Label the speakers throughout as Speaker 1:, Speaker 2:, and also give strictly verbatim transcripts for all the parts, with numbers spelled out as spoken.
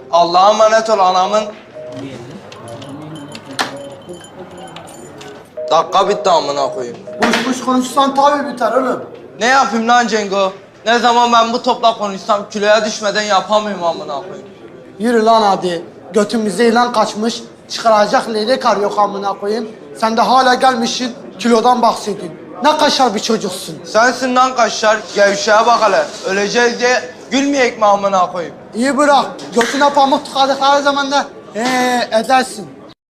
Speaker 1: Allah'a emanet ol anamın. Dakika bitti amına koyayım.
Speaker 2: Boş boş konuşsan tabii biter oğlum.
Speaker 1: Ne yapayım lan Cengo? Ne zaman ben bu topla konuşsam kiloya düşmeden yapamıyorum amına koyayım.
Speaker 2: Yürü lan hadi. Götümüzde ilan kaçmış. Çıkaracak leylek arıyor amına koyayım. Sen de hala gelmişsin kilodan bahsediyorsun. Ne kaşar bir çocuksun.
Speaker 1: Sensin lan kaşlar, gevşeye bak hele. Öleceğiz diye gülmeyek mi amına koyayım?
Speaker 2: İyi bırak. Götüne pamuk tıkadıkları zaman da ee edersin.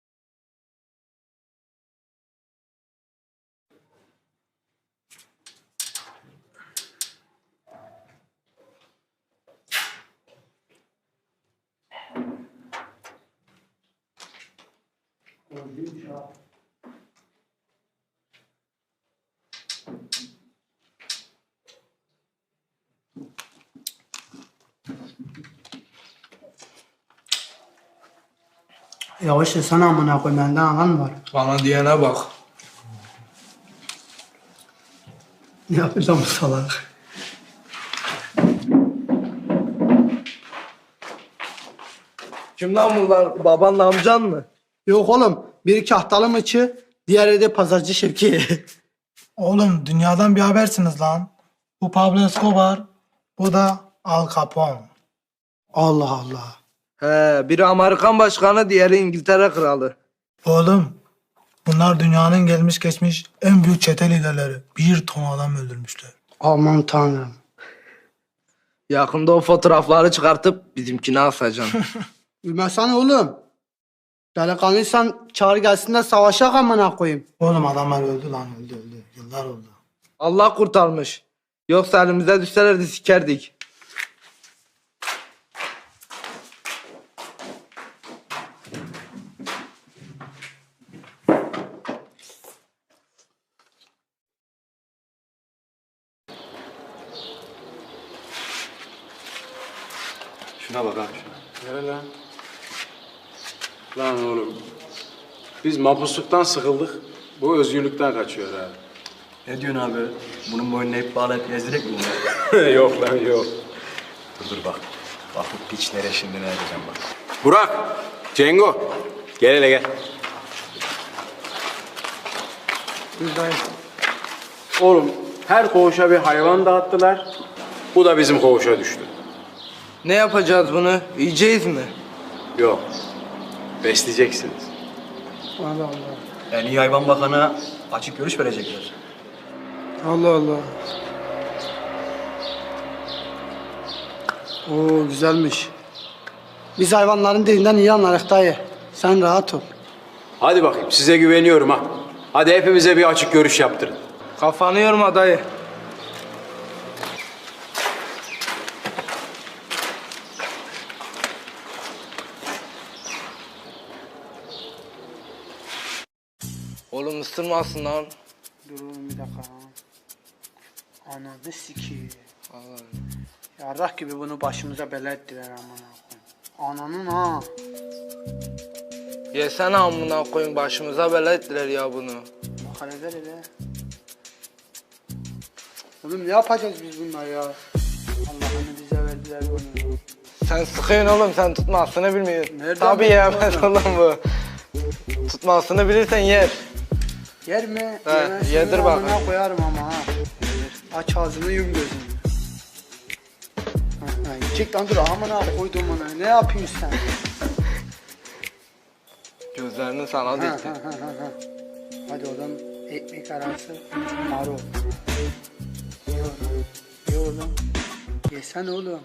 Speaker 2: Yavaş yesene amına koyayım, benden alan var.
Speaker 1: Bana diyene bak.
Speaker 2: Ne yapacağım salak?
Speaker 1: Kim lan bunlar? Babanla amcan mı?
Speaker 2: Yok oğlum, biri kahtalı mıçı, diğeri de pazarcı Şevki.
Speaker 3: Oğlum dünyadan bir habersiniz lan. Bu Pablo Escobar, bu da Al Capone.
Speaker 2: Allah Allah.
Speaker 1: He, biri Amerikan başkanı, diğeri İngiltere kralı.
Speaker 3: Oğlum bunlar dünyanın gelmiş geçmiş en büyük çete liderleri. Bir ton adam öldürmüşler.
Speaker 2: Aman tanrım.
Speaker 1: Yakında o fotoğrafları çıkartıp bizimkini asacaksın.
Speaker 2: Bilmesene oğlum. Delikanlıysan çağır gelsin de savaşa amına koyayım.
Speaker 3: Oğlum adamlar öldü lan öldü öldü. Yıllar oldu.
Speaker 1: Allah kurtarmış. Yoksa elimize düşselerdi sikerdik.
Speaker 4: Şuna bak abi şuna. Nere lan? Lan oğlum. Biz mapusluktan sıkıldık. Bu özgürlükten kaçıyor ha.
Speaker 5: Ne diyorsun abi? Bunun boynuna ip bağlayıp gezdirek mi bunu?
Speaker 4: Yok lan yok.
Speaker 5: Dur dur bak. Bak bu piç nereye şimdi ne edeceğim bak.
Speaker 4: Burak, Cengo. Gel hele gel. Oğlum her koğuşa bir hayvan dağıttılar. Bu da bizim koğuşa düştü.
Speaker 1: Ne yapacağız bunu? Yiyeceğiz mi?
Speaker 4: Yok. Besleyeceksiniz.
Speaker 2: Allah Allah.
Speaker 5: En iyi hayvan bakana açık görüş verecekler.
Speaker 2: Allah Allah. Oo güzelmiş. Biz hayvanların dilinden iyi anlarız dayı. Sen rahat ol.
Speaker 4: Hadi bakayım size güveniyorum ha. Hadi hepimize bir açık görüş yaptırın.
Speaker 1: Kafanı yorma dayı. Oğlum ısırmasın lan.
Speaker 2: Dur oğlum bir dakika. Ananı sikeyim.
Speaker 1: Vallahi.
Speaker 2: Yarrak gibi bunu başımıza bela ettiler amına koyayım. Ananın ha.
Speaker 1: Yesene amına koyun, başımıza bela ettiler ya bunu.
Speaker 2: Bak hele ver hele. Oğlum ne yapacağız biz bunlar ya? Allah'ını bize verdiler bunu.
Speaker 1: Sen sıkıyorsun oğlum, sen tutmasını bilmiyorsun.
Speaker 2: Nereden
Speaker 1: Tabii
Speaker 2: bildin
Speaker 1: yemez
Speaker 2: oğlum?
Speaker 1: oğlum bu. Tutmasını bilirsen yer.
Speaker 2: Yer mi?
Speaker 1: He,
Speaker 2: Yemezsin,
Speaker 1: yedir bak.
Speaker 2: amına koyarım ama ha. Aç ağzını yum gözünü. Ha, ha, yiyecek lan dur amına koydum ona. Ne yapıyorsun sen?
Speaker 1: Gözlerini sana
Speaker 2: Ha,
Speaker 1: dikti.
Speaker 2: ha, ha, ha, ha. Hadi oğlum ekmek arası marul. Ye oğlum. Ye oğlum. Yesene oğlum.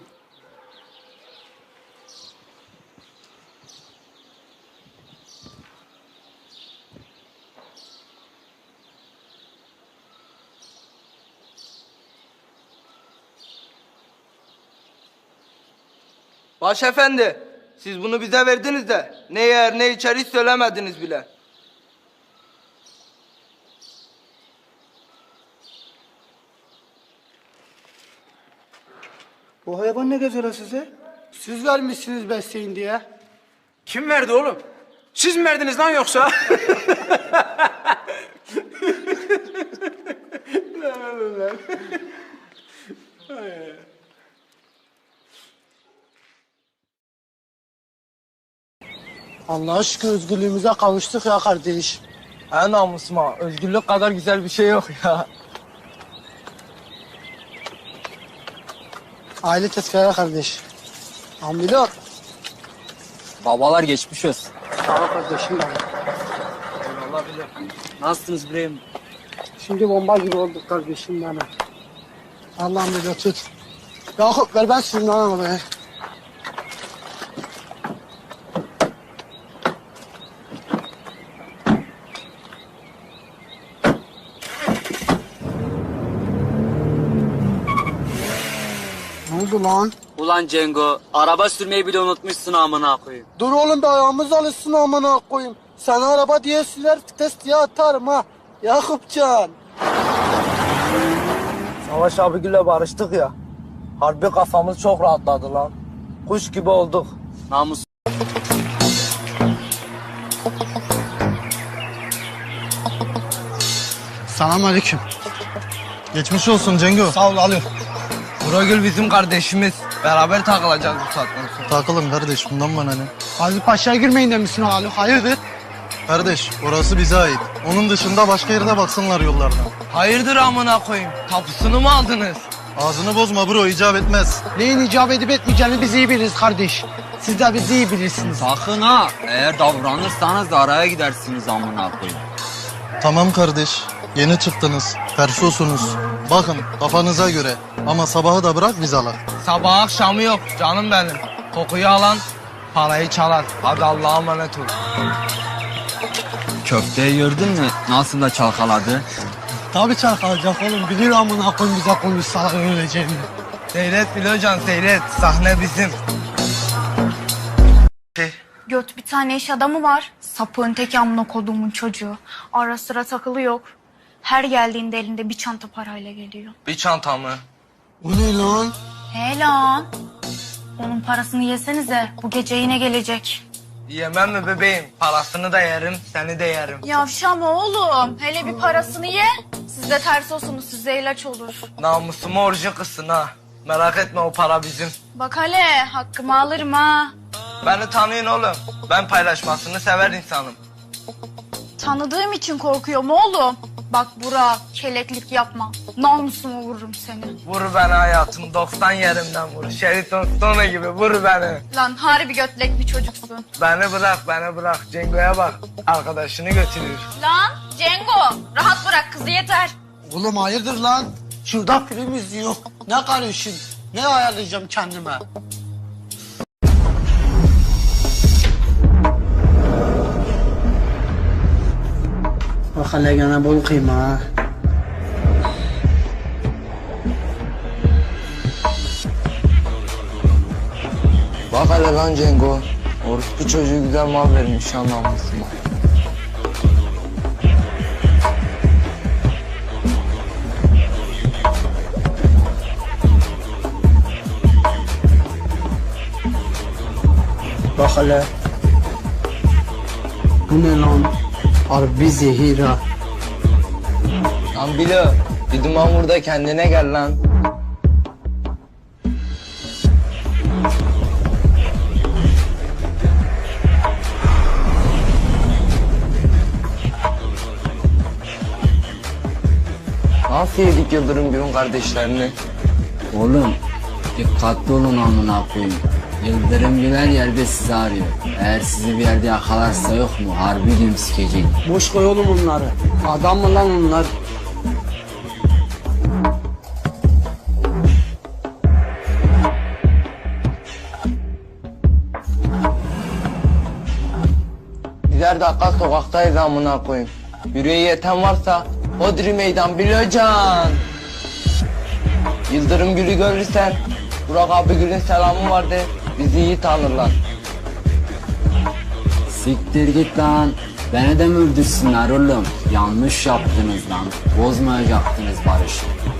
Speaker 1: Başefendi, siz bunu bize verdiniz de ne yer ne içer hiç söylemediniz bile.
Speaker 2: Bu hayvan ne gezer size? Siz vermişsiniz besleyin diye.
Speaker 4: Kim verdi oğlum? Siz mi verdiniz lan yoksa? Lan oğlum lan.
Speaker 2: Allah'a şükür özgürlüğümüze kavuştuk ya kardeş.
Speaker 1: En namusuma özgürlük kadar güzel bir şey yok ya.
Speaker 2: Aile tezkere kardeş. Ambilot.
Speaker 6: Babalar geçmiş olsun.
Speaker 2: Sağ ol kardeşim benim.
Speaker 6: Nasılsınız İbrahim?
Speaker 2: Şimdi bomba gibi olduk kardeşim benim. Allah'ım bir tut. Yakup ver ben sürüm lan arabayı. Ne oldu lan?
Speaker 6: Ulan Cengo, araba sürmeyi bile unutmuşsun amına koyayım.
Speaker 2: Dur oğlum bir ayağımız alışsın amına koyayım. Sana araba diye siler vites diye atarım ha. Yakupcan.
Speaker 1: Savaş abigille barıştık ya. Harbi kafamız çok rahatladı lan. Kuş gibi olduk.
Speaker 6: Namus.
Speaker 2: Selamünaleyküm.
Speaker 3: Geçmiş olsun Cengo.
Speaker 2: Sağ ol alıyorum.
Speaker 1: Buragül bizim kardeşimiz. Beraber takılacağız bu saatten sonra.
Speaker 3: Takılın kardeş, bundan bana ne?
Speaker 2: Gazi Paşa'ya girmeyin demişsin Ali. Hayırdır?
Speaker 3: Kardeş, orası bize ait. Onun dışında başka yerde baksınlar yollardan.
Speaker 1: Hayırdır amına koyayım? Tapusunu mu aldınız?
Speaker 3: Ağzını bozma bro, icap etmez.
Speaker 2: Neyin icap edip etmeyeceğini biz iyi biliriz kardeş. Siz de bizi iyi bilirsiniz.
Speaker 6: Sakın ha, eğer davranırsanız da araya gidersiniz amına koyayım.
Speaker 3: Tamam kardeş, yeni çıktınız, tersosunuz. Bakın kafanıza göre ama sabahı da bırak biz alak.
Speaker 1: Sabah akşamı yok canım benim. Kokuyu alan parayı çalar. Hadi Allah'a emanet ol.
Speaker 6: Köfteyi gördün mü? Nasıl da çalkaladı?
Speaker 2: Tabii çalkalacak oğlum. Bilir amına koyun bize konuşsalar öleceğini.
Speaker 1: Seyret Bilocan seyret. Sahne bizim.
Speaker 7: Göt bir tane iş adamı var. Sapığın tek amına koduğumun çocuğu. Ara sıra takılı yok. Her geldiğinde elinde bir çanta parayla geliyor.
Speaker 1: Bir çanta mı?
Speaker 2: O ne lan?
Speaker 7: He lan. Onun parasını yesenize. Bu gece yine gelecek.
Speaker 1: Yemem mi bebeğim? Parasını da yerim, seni de yerim.
Speaker 7: Yavşama oğlum. Hele bir parasını ye. Siz de ters olsunuz. Size ilaç olur.
Speaker 1: Namusumu orucu kızsın ha. Merak etme o para bizim.
Speaker 7: Bak hele hakkımı alırım ha.
Speaker 1: Beni tanıyın oğlum. Ben paylaşmasını sever insanım.
Speaker 7: Tanıdığım için korkuyorum oğlum. Bak Burak keleklik yapma. Namusumu vururum seni.
Speaker 1: Vur beni hayatım, doksan yerimden vur. Şeriton Stone gibi vur beni.
Speaker 7: Lan harbi götlek bir çocuksun.
Speaker 1: Beni bırak, beni bırak. Cengo'ya bak. Arkadaşını götürüyor.
Speaker 7: Lan Cengo rahat bırak kızı yeter.
Speaker 2: Oğlum hayırdır lan? Şurada film izliyor. Ne karışın? Ne ayarlayacağım kendime? Bak hele gene bol kıyma ha.
Speaker 1: Bak hele lan Cengo. Orospu çocuğu güzel mal vermiş anlamışsın.
Speaker 2: Bak hele. Bu ne lan? Harbi zehir ha.
Speaker 1: Lan Bilo, bir duman vur da kendine gel lan. Nasıl yedik Yıldırım Gül'ün kardeşlerini?
Speaker 6: Oğlum, dikkatli olun amına koyayım. Yıldırım Güler yerde sizi arıyor. Eğer sizi bir yerde yakalarsa yok mu? Harbi gün sikecek.
Speaker 2: Boş koy oğlum onları. Adam mı lan onlar?
Speaker 1: Birer dakika sokaktayız amına koyayım. Yüreği yeten varsa Hodri meydan Bilocan. Yıldırım Gül'ü görürsen Burak abi Gül'ün selamı vardı. Bizi iyi tanırlar.
Speaker 6: Siktir git lan. Beni de mi öldürsünler oğlum? Yanlış yaptınız lan. Bozmayacaktınız barışı.